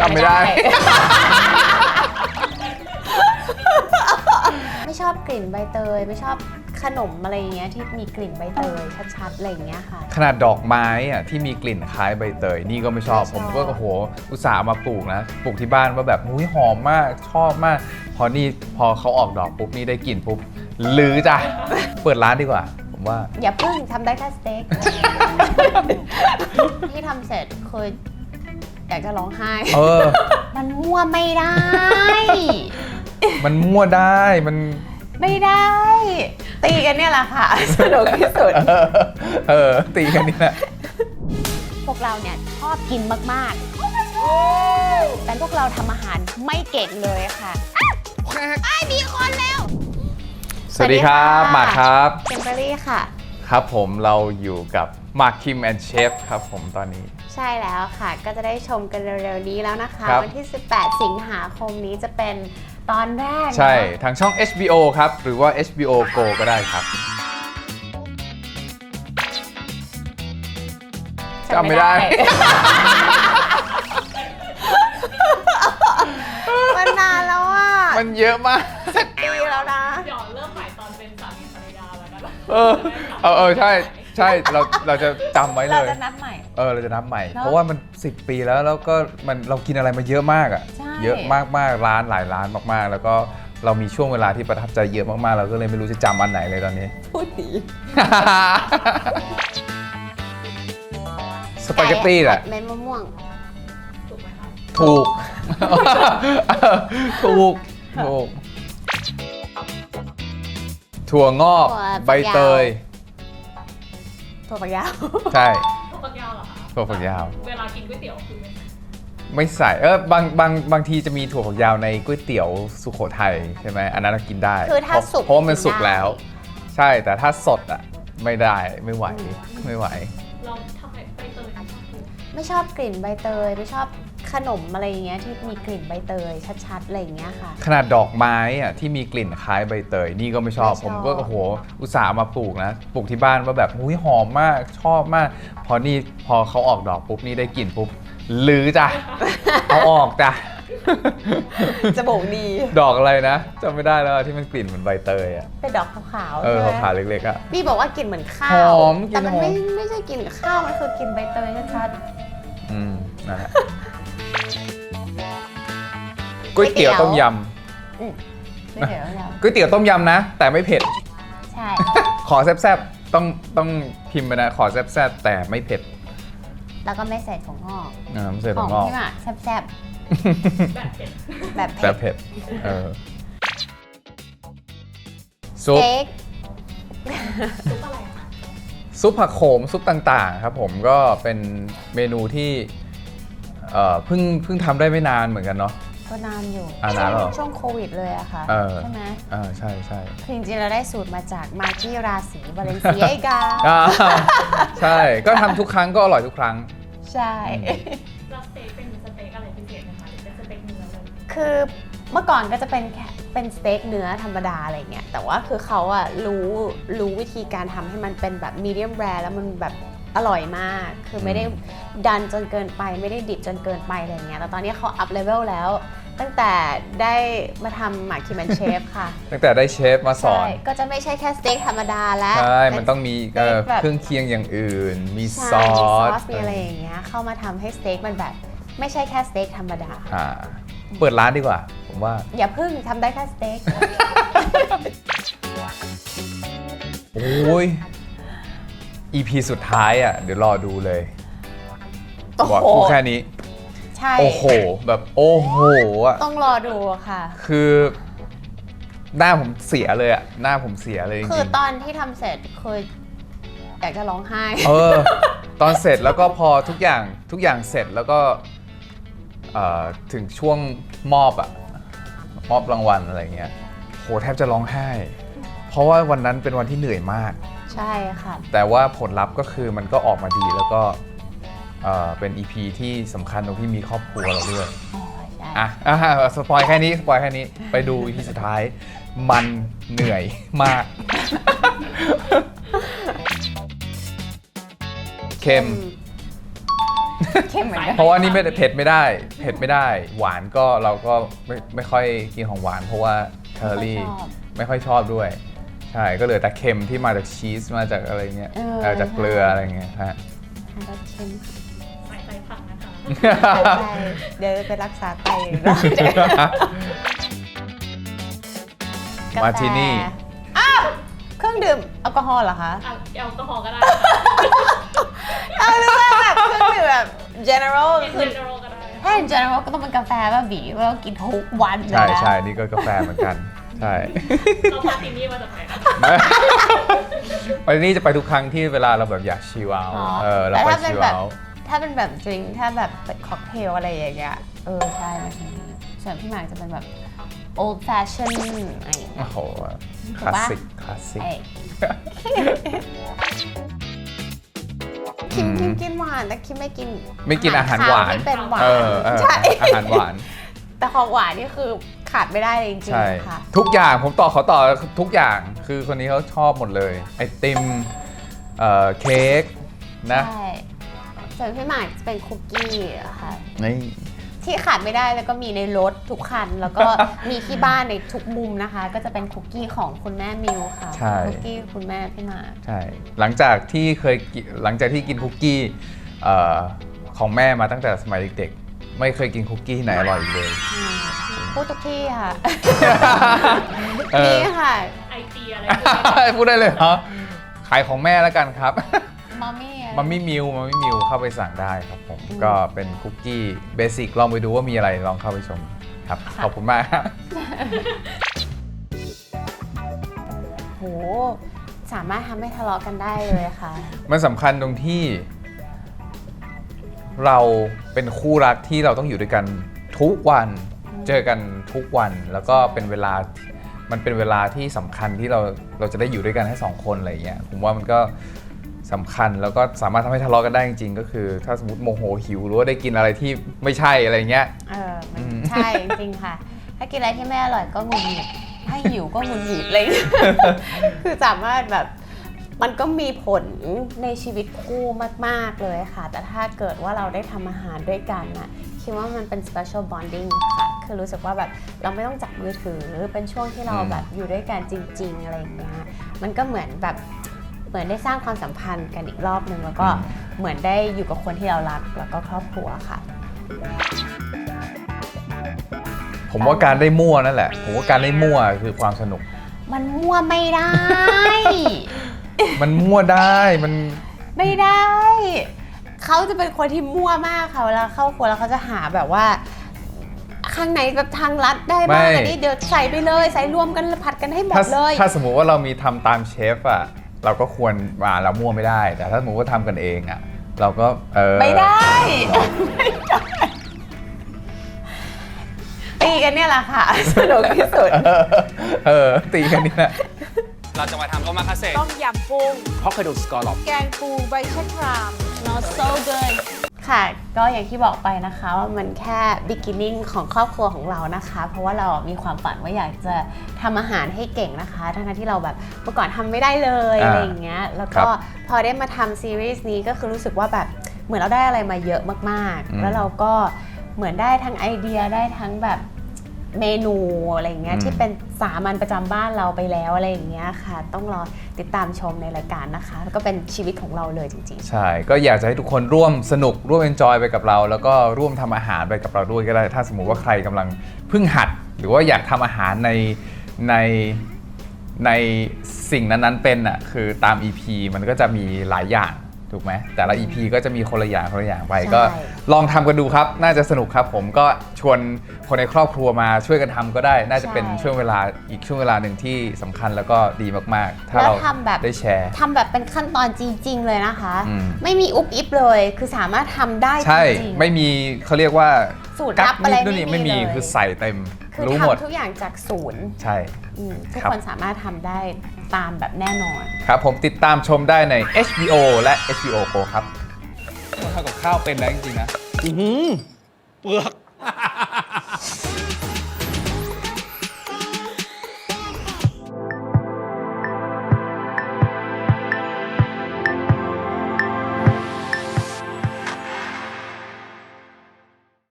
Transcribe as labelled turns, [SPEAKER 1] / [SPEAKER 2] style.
[SPEAKER 1] ำไม่ได้
[SPEAKER 2] ไม่ชอบกลิ่นใบเตยไม่ชอบขนมอะไรเงี้ยที่มีกลิ่นใบเตยชัดๆอะไรเงี้ยค่ะ
[SPEAKER 1] ขนาดดอกไม้อะที่มีกลิ่นคล้ายใบเตยนี่ก็ไม่ชอบ
[SPEAKER 2] ไม่ชอบ
[SPEAKER 1] ผมก็โอ้โหอุตส่าห์มาปลูกนะปลูกที่บ้านว่าแบบหุ้ยหอมมากชอบมากพอเขาออกดอกปุ๊บนี่ได้กลิ่นปุ๊บลือจ้ะ เปิดร้านดีกว่าผมว่า
[SPEAKER 2] อย่าพึ่งทำได้แค่สเต็ก ที่ทำเสร็จคืออยากจะร้องไห้ มันมั่วไม่ได้
[SPEAKER 1] มันมั่วได้มัน
[SPEAKER 2] ไม่ได้ ตีกันเนี่ยแหละค่ะ สนุกที่สุด
[SPEAKER 1] ตีกันนี่แหละ
[SPEAKER 2] พวกเราเนี่ยชอบกินมากๆแต่พวกเราทำอาหารไม่เก่งเลยค่ะอ้ายมีคนแล้ว
[SPEAKER 1] สวัสดีครับหมากครับ
[SPEAKER 2] เ i มเบอรี่ค่ะ
[SPEAKER 1] ครับผมเราอยู่กับหมากคิมแอนด์เชฟครับผมตอนนี้
[SPEAKER 2] ใช่แล้วค่ะ ก็จะได้ชมกันเร็วๆนี้แล้วนะคะ
[SPEAKER 1] ครับ
[SPEAKER 2] วันที่ 18 สิงหาคมนี้จะเป็นตอนแรก
[SPEAKER 1] ใช่
[SPEAKER 2] เนอะ
[SPEAKER 1] ทางช่อง HBO ครับ หรือว่า HBO Go ก็ได้ครับจำไม่ได้
[SPEAKER 2] มันนานแล้วอ่ะ
[SPEAKER 1] มันเยอะมาก
[SPEAKER 2] ปีแล้วนะ
[SPEAKER 3] เดี๋ยวเริ่มใหม่ตอนเป็นสามีภรรยาแล้วกัน
[SPEAKER 1] ใช่เราจะจำไว้เล
[SPEAKER 2] เรา
[SPEAKER 1] ย
[SPEAKER 2] จะนับใหม่
[SPEAKER 1] เราจะนับใหม่
[SPEAKER 2] เนอะ
[SPEAKER 1] เพราะว่ามัน10 ปีแล้วก็เรากินอะไรมาเยอะมากอ่ะ
[SPEAKER 2] ใช่
[SPEAKER 1] เยอะมากๆร้านหลายร้านมากๆ แล้วก็เรามีช่วงเวลาที่ประทับใจเยอะมากๆเราก็เลยไม่รู้จะจำอันไหนเลยตอนนี้
[SPEAKER 2] พูดดี
[SPEAKER 1] สปาเกตตี้แหละ
[SPEAKER 2] เม็ดมะม่วง
[SPEAKER 3] ถูกไหมคะ
[SPEAKER 1] ถูก ถูกถั่วงอก
[SPEAKER 2] ถั่วฝักยาว
[SPEAKER 1] ใบเตย
[SPEAKER 2] ถั่วฝักยาว
[SPEAKER 1] ใช่
[SPEAKER 3] ถั่วฝักยาวเหรอคะ
[SPEAKER 1] ถั่วฝักยาว
[SPEAKER 3] เวลากินก๋วยเตี๋ยวคือไม่ใส่
[SPEAKER 1] ไม่ใส่บางทีจะมีถั่วฝักยาวในก๋วยเตี๋ยวสุโขทัยใช่ไหมอันนั้นกินได้
[SPEAKER 2] คือถ้าสุก
[SPEAKER 1] เพราะว่ามันสุก
[SPEAKER 2] กินได้
[SPEAKER 1] แล้ว ใช่แต่ถ้าสดอ่ะไม่ได้ไม่ไหว
[SPEAKER 3] เราทำไมใบเตยถึงชอบกิน
[SPEAKER 2] ไม่ชอบกลิ่นใบเตยไม่ชอบขนมอะไรเงี้ยที่มีกลิ่นใบเตยชัดๆอะไรเงี้ยค่ะ
[SPEAKER 1] ขนาดดอกไม้อะที่มีกลิ่นคล้ายใบเตยนี่ก็ไม่ชอบ
[SPEAKER 2] ไม่ชอบ
[SPEAKER 1] ผมก็โอ้โหอุตส่าห์มาปลูกนะปลูกที่บ้านว่าแบบหุ้ยหอมมากชอบมากพอเขาออกดอกปุ๊บนี่ได้กลิ่นปุ๊บลือจ้ะ เอาออกจ้ะ
[SPEAKER 2] จะบอกดี
[SPEAKER 1] ดอกอะไรนะจำไม่ได้แล้วที่มันกลิ่นเหมือนใบเตยอ่ะ
[SPEAKER 2] เป็นดอกขาวๆใช่ไหม
[SPEAKER 1] ขาวๆเล็กๆอ่ะ
[SPEAKER 2] พี่บอกว่ากลิ่นเหมือนข้าว
[SPEAKER 1] หอมกลิ่น
[SPEAKER 2] แต่มัน
[SPEAKER 1] หอม
[SPEAKER 2] ไม่ใช่กลิ่นข้าวมันคือกลิ่นใบเตยชัด
[SPEAKER 1] นั่นแหละก๋วยเตี๋ยวต้มย
[SPEAKER 2] ๆไม่เดี๋ยวแล้ว
[SPEAKER 1] ำก๋วยเตี๋ยวต้มยำนะ แต่ไม่เผ็ด
[SPEAKER 2] ใช่
[SPEAKER 1] ขอแซ่บๆต้องพิมพ์ไปนะขอแซ่บๆแต่ไม่เผ็ด
[SPEAKER 2] แล้วก็ไม่ใส่ถั่วงอก
[SPEAKER 1] ไม่ใส่
[SPEAKER 2] ข
[SPEAKER 1] ถั่
[SPEAKER 2] อ
[SPEAKER 1] ว
[SPEAKER 2] ง
[SPEAKER 1] งอก
[SPEAKER 2] พี่หมากแซ่บ
[SPEAKER 3] แบบเผ็ด
[SPEAKER 2] ๆแบบ
[SPEAKER 1] แต่
[SPEAKER 2] เผ็ด
[SPEAKER 1] เผ็ดซุป
[SPEAKER 2] เค้ก
[SPEAKER 3] ซุปอะไรคะ
[SPEAKER 1] ซุปผักโขมซุปต่างๆครับผมก็เป็นเมนูที่เพิ่งทำได้ไม่นานเหมือนกันเนาะ
[SPEAKER 2] ก็นานอยู่
[SPEAKER 1] นานแล้วเหรอ
[SPEAKER 2] ช่วงโควิดเลยอะค่ะ ใช่ไหม
[SPEAKER 1] ใช่
[SPEAKER 2] คือจริงๆเราได้สูตรมาจากมากี้ราศีบาเลนเซียกา
[SPEAKER 1] ใช่ก็ทำทุกครั้งก็อร่อยทุกครั้ง
[SPEAKER 2] ใช่
[SPEAKER 3] แล้วสเต็กเป็นสเต็กอะไรพิเศษไหมคะหรือเป็นสเต็กเนื้อเลย
[SPEAKER 2] คือเมื่อก่อนก็จะเป็นแค่เป็นสเต็กเนื้อธรรมดาอะไรเงี้ยแต่ว่าคือเขาอะรู้วิธีการทำให้มันเป็นแบบมีเดียมแรร์แล้วมันแบบอร่อยมาก คือไม่ได้ดันจนเกินไปไม่ได้ดิบจนเกินไปอะไรเงี้ยแต่ตอนนี้เขาอัพเลเวลแล้ว ตั้งแต่ได้มาทำหมาคิมแอนเชฟค่ะ
[SPEAKER 1] ตั้งแต่ได้เชฟมาสอน
[SPEAKER 2] ใช่ก็จะไม่ใช่แค่สเต็กธรรมดาแล้ว
[SPEAKER 1] ใช่มันต้องมี
[SPEAKER 2] ป็นสต็กแบบ
[SPEAKER 1] เครื่องเคียงอย่างอื่น มีซ
[SPEAKER 2] ใช่
[SPEAKER 1] อ
[SPEAKER 2] มีซอ
[SPEAKER 1] ส
[SPEAKER 2] สมีอะไรอย่างเงี้ยเข้ามาทำให้สเต็กมันแบบไม่ใช่แค่สเต็กธรรมดา
[SPEAKER 1] เปิดร้านดีกว่า ผมว่า
[SPEAKER 2] อย่าพึ่งทำได้แค่สเต็ก
[SPEAKER 1] โอ้ย EP สุดท้ายอ่ะ เดี๋ยวรอดูเลย
[SPEAKER 2] โอ้โห
[SPEAKER 1] บอกพูดแค่นี้
[SPEAKER 2] ใช่
[SPEAKER 1] โอ้โห แบบโอ้โหอ่ะ
[SPEAKER 2] ต้องรอดูค่ะ
[SPEAKER 1] คือหน้าผมเสียเลยอ่ะ หน้าผมเสียเลยจ
[SPEAKER 2] คือ
[SPEAKER 1] ริง
[SPEAKER 2] ตอนที่ทำเสร็จคืออยากจะร้องไห้
[SPEAKER 1] ตอนเสร็จแล้วก็พอทุกอย่างเสร็จแล้วก็ถึงช่วงมอบรางวัลอะไรเงี้ยโหแทบจะร้องไห้ เพราะว่าวันนั้นเป็นวันที่เหนื่อยมาก
[SPEAKER 2] ใช่ค่ะ
[SPEAKER 1] แต่ว่าผลลัพธ์ก็คือมันก็ออกมาดีแล้วก็เป็น EP ที่สำคัญตรงที่มีครอบครัวเราด้วย
[SPEAKER 2] อ๋อใช่
[SPEAKER 1] สปอยแค่นี้ไปดู EP สุดท้ายมันเหนื่อยมาก เค็ม
[SPEAKER 2] เค็มเหมือนกัน
[SPEAKER 1] เพราะว่านี่ไม่ได้เผ็ดไม่ได้หวานก็เราก็ไม่ค่อยกินของหวานเพราะว่าแคลอรี่ไม่ค่อยชอบด้วยใช่ก็เหลือแต่เค็มที่มาจากชีสมาจากอะไรเงี้ยจากเกลืออะไรเงี้ยฮะ
[SPEAKER 2] รสเค็ม
[SPEAKER 3] ใส่ไตผักนะคะ
[SPEAKER 2] ใช่เดี๋ยวไปรักษาไต
[SPEAKER 1] มาที่นี่
[SPEAKER 2] อ้าวเครื่องดื่มแอลกอฮอล์เหรอคะ
[SPEAKER 3] อ่ะแอลกอฮอล์ก็ได้
[SPEAKER 2] เอาเรื่องแบบเครื่องดื่มแบบ general
[SPEAKER 3] กิน
[SPEAKER 2] คือ
[SPEAKER 3] เจนโรก็ได้
[SPEAKER 2] ถ้า general ก็ต้องเป็นกาแฟป่ะบีว่าเรากินทุกวันเลย
[SPEAKER 1] ใช่
[SPEAKER 2] นะ
[SPEAKER 1] ใช่นี่ก็กาแฟเหมือนกันใช่
[SPEAKER 3] เราพาทีนี่มาจากไหนคะ
[SPEAKER 1] ไปนี่จะไปทุกครั้งที่เวลาเราแบบอยากชิลเอา
[SPEAKER 2] อ๋อ
[SPEAKER 1] เรา
[SPEAKER 2] แต่
[SPEAKER 1] ไป
[SPEAKER 2] ถ้าเป็น
[SPEAKER 1] ชิล
[SPEAKER 2] แบบ
[SPEAKER 1] เอา
[SPEAKER 2] ถ้าเป็นแบบดริงถ้าแบบเป็นค็อกเทลอะไรอย่างเงี้ยใช่มาทีนี้ส่วนพี่หมากจะเป็นแบบ old fashion อะไรอย่างเงี้ย
[SPEAKER 1] โอ้โหคลาสสิกคลาสสิก
[SPEAKER 2] เอ้ยคิมกินหวานแต่คิมไม่กิน
[SPEAKER 1] อาหารหวาน
[SPEAKER 2] ที่เป็นหวาน
[SPEAKER 1] ใช่
[SPEAKER 2] ใช่
[SPEAKER 1] อาหารหวาน
[SPEAKER 2] แต่ของหวานนี่คือขาดไม่ได้เลยจริง
[SPEAKER 1] ใช่
[SPEAKER 2] ๆค่ะ
[SPEAKER 1] ทุกอย่างผมขอต่อทุกอย่างคือคนนี้เขาชอบหมดเลยไอติมเค้กนะ
[SPEAKER 2] ใช่ส่วนพี่หมากจะเป็นคุกกี้อะค่ะ
[SPEAKER 1] นี่
[SPEAKER 2] ที่ขาดไม่ได้แล้วก็มีในรถทุกคัน แล้วก็มีที่บ้านในทุกมุมนะคะ ก็จะเป็นคุกกี้ของคุณแม่มิวค่ะ
[SPEAKER 1] ใช่
[SPEAKER 2] คุกกี้คุณแม่พี่หมาก
[SPEAKER 1] ใช่หลังจากที่กินคุกกี้ของแม่มาตั้งแต่สมัยเด็กๆไม่เคยกินคุกกี้ที่ไหนอร่อยอีกเลย
[SPEAKER 2] พูดทุกที่ค่ะ
[SPEAKER 1] เออ
[SPEAKER 2] นี่ค่ะ
[SPEAKER 3] ไอจีอะไร
[SPEAKER 1] พูดได้เลยเหรอขายของแม่แล้วกันครับ
[SPEAKER 2] มัมมี่
[SPEAKER 1] มัมมี่มิวเข้าไปสั่งได้ครับผมก็เป็นคุกกี้เบสิกลองไปดูว่ามีอะไรลองเข้าไปชมครับขอบคุณมากครับ
[SPEAKER 2] โหสามารถทำให้ทะเลาะกันได้เลยค่ะ
[SPEAKER 1] มันสำคัญตรงที่ เราเป็นคู่รักที่เราต้องอยู่ด้วยกันทุกวันเจอกันทุกวันแล้วก็เป็นเวลามันเป็นเวลาที่สำคัญที่เราจะได้อยู่ด้วยกันแค่2 คนอะไรอย่างเงี้ยผมว่ามันก็สำคัญแล้วก็สามารถทำให้ทะเลาะกันได้จริงๆก็คือ ถ้าสมมติโมโหหิวหรือว่าได้กินอะไรที่ไม่ใช่อะไรเงี้ย
[SPEAKER 2] มันใช่จริงๆค่ะ ถ้ากินอะไรที่ไม่อร่อยก็หงุดหงิดถ้าหิวก็หงุดหงิดเลย คือสามารถแบบมันก็มีผลในชีวิตคู่มากๆเลยค่ะ แต่ถ้าเกิดว่าเราได้ทำอาหารด้วยกันน่ะคิดว่ามันเป็น special bonding ค่ะ คือรู้สึกว่าแบบเราไม่ต้องจับมือถือเป็นช่วงที่เราแบบอยู่ด้วยกันจริงๆอะไรอย่างเงี้ยมันก็เหมือนได้สร้างความสัมพันธ์กันอีกรอบนึงแล้วก็เหมือนได้อยู่กับคนที่เรารักแล้วก็ครอบครัวค่ะ
[SPEAKER 1] ผมว่าการได้มั่วนั่นแหละผมว่าการได้มั่วคือความสนุก
[SPEAKER 2] มันมั่วไม่ได้
[SPEAKER 1] มันมั่วได้มัน
[SPEAKER 2] ไม่ได้ เขาจะเป็นคนที่มั่วมากค่ะเวลาเข้าครัวแล้วเขาจะหาแบบว่า ข้างไหนแบบทางลัดได้บ้างอันนี้เดี๋ยวใส่ไปเลยใส่รวมกันผัดกันให้หมดเลย
[SPEAKER 1] ถ้าสมมุติว่าเรามีทำตามเชฟอ่ะเราก็ควรเรามั่วไม่ได้ แต่ถ้าสมมติว่าทำกันเองอ่ะเราก็
[SPEAKER 2] ไม่ได้ตีกันเนี่ยแหละค่ะสนุกที่สุด
[SPEAKER 1] ตีกันนี่แหละ
[SPEAKER 4] เราจะมาทำโอมาคาเซ่
[SPEAKER 2] ต้มยำกุ้ง
[SPEAKER 4] เพราะเคยดูสกอร์ลอป
[SPEAKER 2] แกงปูใบชะคราม not so good ค่ะก็อย่างที่บอกไปนะคะว่ามันแค่ beginning ของครอบครัวของเรานะคะ เพราะว่าเรามีความฝันว่าอยากจะทำอาหารให้เก่งนะคะทั้งที่เราแบบเมื่อก่อนทำไม่ได้เลยอะไรอย่างเงี้ยแล้วก็พอได้มาทำซีรีส์นี้ก็คือรู้สึกว่าแบบเหมือนเราได้อะไรมาเยอะมากๆแล้วเราก็เหมือนได้ทั้งไอเดียได้ทั้งแบบเมนูอะไรอย่างเงี้ยที่เป็นสามัญประจำบ้านเราไปแล้วอะไรอย่างเงี้ยค่ะต้องรอติดตามชมในรายการนะคะแล้วก็เป็นชีวิตของเราเลยจริงๆ
[SPEAKER 1] ใช่ก็อยากจะให้ทุกคนร่วมสนุกร่วมเอนจอยไปกับเรา แล้วก็ร่วมทำอาหารไปกับเราด้วยก็ได้ถ้าสมมุติว่าใครกำลังเพิ่งหัด หรือว่าอยากทำอาหารในสิ่งนั้นๆเป็นอ่ะคือตาม EP มันก็จะมีหลายอย่างถูกไหมแต่ละ EP ก็จะมีคนละอย่างไปก็ลองทำกันดูครับน่าจะสนุกครับผมก็ชวนคนในครอบครัวมาช่วยกันทำก็ได้น่าจะเป็นช่วงเวลาอีกช่วงเวลาหนึ่งที่สำคัญแล้วก็ดีมากๆถ้าเราได้แชร์
[SPEAKER 2] ทำแบบเป็นขั้นตอนจริงๆเลยนะคะไม่มีอุบอิบเลยคือสามารถทำได้จริงๆ
[SPEAKER 1] ใช่ไม่มีเขาเรียกว่า
[SPEAKER 2] สูตรลับอะไร
[SPEAKER 1] ไม่มีคือใส่เต็มรู้หมด
[SPEAKER 2] ทำทุกอย่างจากศูนย์
[SPEAKER 1] ใช่
[SPEAKER 2] ทุกคนสามารถทำได้ตามแบบแน่นอน
[SPEAKER 1] ครับผมติดตามชมได้ใน HBO และ HBO Go ครับทำกับข้าวเป็นแล้วจริงๆนะ
[SPEAKER 4] เปลือก